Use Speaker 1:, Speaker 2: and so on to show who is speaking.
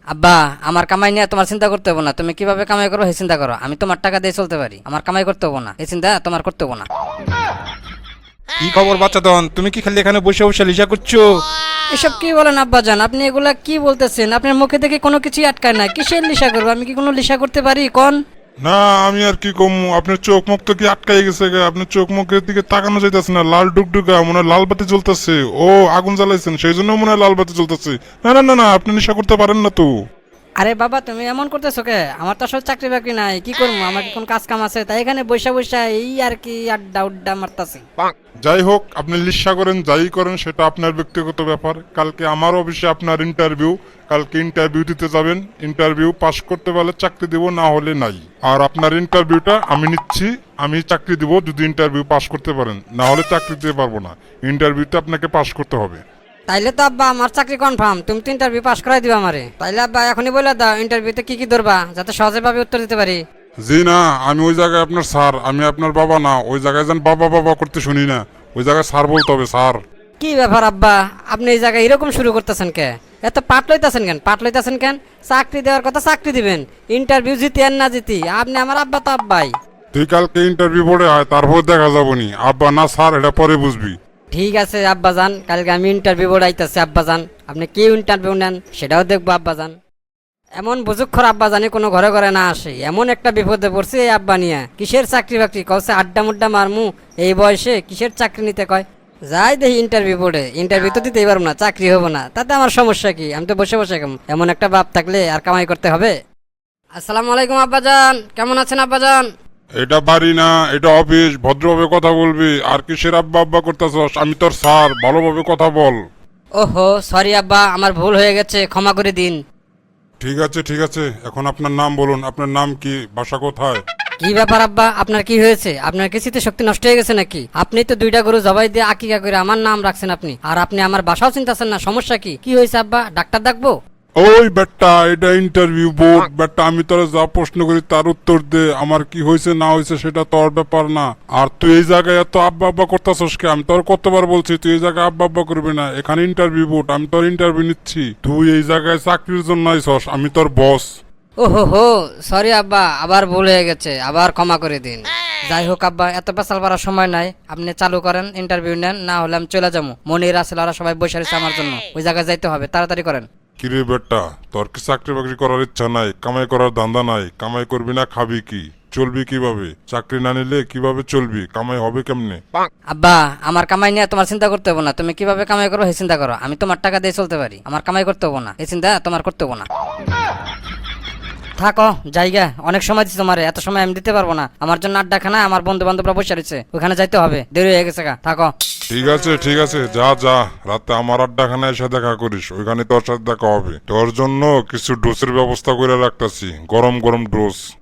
Speaker 1: আব্বা, আমার কামাই নিয়ে তোমার চিন্তা করতে হবে না। তুমি কিভাবে কামাই করো এই চিন্তা করো। আমি তোমার টাকা দিয়ে চলতে পারি, আমার কামাই করতে হবে না, এই চিন্তা তোমার করতে হবে না।
Speaker 2: কি খবর বাচ্চাদন, তুমি কি খালি এখানে বসে বসে লিসা করছো?
Speaker 1: এসব কি বলেন আব্বাজান? আপনি এগুলা কি বলতেছেন? আপনার মুখে দেখে কোনো কিছুই আটকায় না। কিসের লিসা করবো? আমি কি কোনো লিসা করতে পারি কোন?
Speaker 3: না আমি আর কি কম, আপনার চোখ মুখ তো কি আটকাই গেছে গে, আপনার চোখ মুখের দিকে তাকানো যাইতেছে না, লাল ডুকডুকা মনে হয় লাল বাতি জ্বলতেছে। ও আগুন জ্বালাইছেন সেই জন্য মনে হয় লাল বাতি জ্বলতেছে। না না না না, আপনি নেশা করতে পারেন না তো।
Speaker 1: আরে বাবা, তুমি এমন করতেছো কে? আমার তো আসলে চাকরি বাকরি নাই, কি করবো? আমার কি কোন কাজ কাম আছে? তাই এখানে বৈশা বৈশা এই আর কি আড্ডা উড্ডা মারতাছি।
Speaker 3: যাই হোক, আপনি লিসা করেন যাই করেন সেটা আপনার ব্যক্তিগত ব্যাপার। কালকে আমার অফিসে আপনার ইন্টারভিউ, কালকে ইন্টারভিউ দিতে যাবেন। ইন্টারভিউ পাস করতে পারলে চাকরি দিব, না হলে নাই। আর আপনার ইন্টারভিউটা আমি নিচ্ছি, আমি চাকরি দিব যদি ইন্টারভিউ পাস করতে পারেন, না হলে চাকরি দিতে পারবো না। ইন্টারভিউতে আপনাকে পাস করতে হবে।
Speaker 1: তাইলে তো আব্বা আমার চাকরি কনফার্ম। তুমি তো ইন্টারভিউ পাস করাই দিবা আমারে। তাইলে আব্বা এখনই বলে দাও ইন্টারভিউতে কি কি ধরবা, যাতে সহজে ভাবে উত্তর দিতে পারি।
Speaker 3: জি না, আমি ওই জায়গায় আপনার স্যার, আমি আপনার বাবা না। ওই জায়গায় যেন বাবা বাবা করতে শুনি না, ওই জায়গায় স্যার বলতে হবে, স্যার।
Speaker 1: কি ব্যাপার আব্বা, আপনি এই জায়গায় এরকম শুরু করতেছেন কে? এত পাট লইতাছেন কেন? পাট লইতাছেন কেন? চাকরি দেওয়ার কথা চাকরি দিবেন, ইন্টারভিউ জিতি আর না জিতি আপনি আমার আব্বা তো আব্বাই।
Speaker 3: তুই কালকে ইন্টারভিউ বোর্ডে হয়, তারপর দেখা যাবনি আব্বা না স্যার, এটা পরে বুঝবি।
Speaker 1: ঠিক আছে আব্বাজান, কালকে আমি ইন্টারভিউ বোর্ড আইতাছি আব্বাজান। আপনি কি ইন্টারভিউ নেন সেটাও দেখবো আব্বাজান। এমন বুঝুক্ষর আব্বাজানি কোনো ঘরে ঘরে না আসে। এমন একটা বিপদে পড়ছে এই আব্বা নিয়ে। কিসের চাকরি বাকরি কওছে? আড্ডা মুড্ডা মারমু এই বয়সে কিসের চাকরি নিতে কয়? যাই দেখি ইন্টারভিউ বোর্ডে, ইন্টারভিউ তো দিতেই পারবো না, চাকরি হবো না, তাতে আমার সমস্যা কি? আমি তো বসে বসে কেমন, এমন একটা বাপ থাকলে আর কামাই করতে হবে। আসসালামু আলাইকুম আব্বাজান, কেমন আছেন আব্বাজান?
Speaker 3: এটা বাড়ি না, এটা অফিস, ভদ্রভাবে কথা বলবি। আর কিসের আব্বা আব্বা করতেছস? আমি তোর স্যার, ভালোভাবে কথা বল।
Speaker 1: ওহো সরি আব্বা, আমার ভুল হয়ে গেছে, ক্ষমা করে দিন।
Speaker 3: ঠিক আছে ঠিক আছে, এখন আপনার নাম বলুন। আপনার নাম কি, বাসা কোথায়?
Speaker 1: কি ব্যাপার আব্বা, আপনার কি হয়েছে? আপনার কি স্মৃতি শক্তি নষ্ট হয়ে গেছে নাকি? আপনি তো 2টা গরু জবাই দিয়ে আকিকা করে আমার নাম রাখছেন আপনি, আর আপনি আমার বাসাও চিন্তাছেন না। সমস্যা কি? কি হয়েছে আব্বা? ডাক্তার ডাকবো?
Speaker 3: ওই বেটা, এটা ইন্টারভিউ বোর্ড বেটা, আমি তোরা যা প্রশ্ন করি তার উত্তর দে। আমার কি হয়েছে না হয়েছে সেটা তোর ব্যাপার না। আর তুই এই জায়গায় এত আব্বা আব্বা করতেছস কে? আমি তোর কতবার বলছি তুই এই জায়গায় আব্বা আব্বা করবি না। এখানে ইন্টারভিউ বোর্ড, আমি তোর ইন্টারভিউ নিচ্ছি। তুই এই জায়গায় চাকরির জন্য আইছস, আমি তোর বস।
Speaker 1: ওহো হো সরি আব্বা, আবার ভুল হয়ে গেছে, আবার ক্ষমা করে দিন। যাই হোক আব্বা, এত পেশাল পারার সময় নাই, আপনি চালু করেন, ইন্টারভিউ নেন, না হলে আমি চলে যাবো। মনির আসলে ওরা সবাই বসে রয়েছে আমার জন্য, ওই জায়গায় যাইতে হবে, তাড়াতাড়ি করেন।
Speaker 3: কিরে বেটা, তোর কি চাকরি বাকরি করার ইচ্ছা নাই? কামাই করার ধান্দা নাই? কামাই করবি না খাবি কি? চলবি কিভাবে? চাকরি না নিলে কিভাবে চলবি? কামাই হবে কেমনে?
Speaker 1: আব্বা, আমার কামাই নিয়ে তোমার চিন্তা করতে হবে না। তুমি কিভাবে কামাই করো এই চিন্তা করো। আমি তোমার টাকা দিয়ে চলতে পারি, আমার কামাই করতে হবে না, এই চিন্তা তোমার করতে হবে না। থাকো জায়গা, অনেক সময় দিচ্ছি তোমারে, এত সময় আমি দিতে পারবো না। আমার জন্য আড্ডাখানা, আমার বন্ধু বান্ধবরা বসে রয়েছে, ওখানে যাইতে হবে, দেরি হয়ে গেছে গা। থাকো।
Speaker 3: ঠিক আছে ঠিক আছে, যা যা, রাতে আমার আড্ডাখানায় এসে দেখা করিস, ওইখানে তোর সাথে দেখা হবে। তোর জন্য কিছু ডোসের ব্যবস্থা করে রাখতেছি, গরম গরম ডোজ।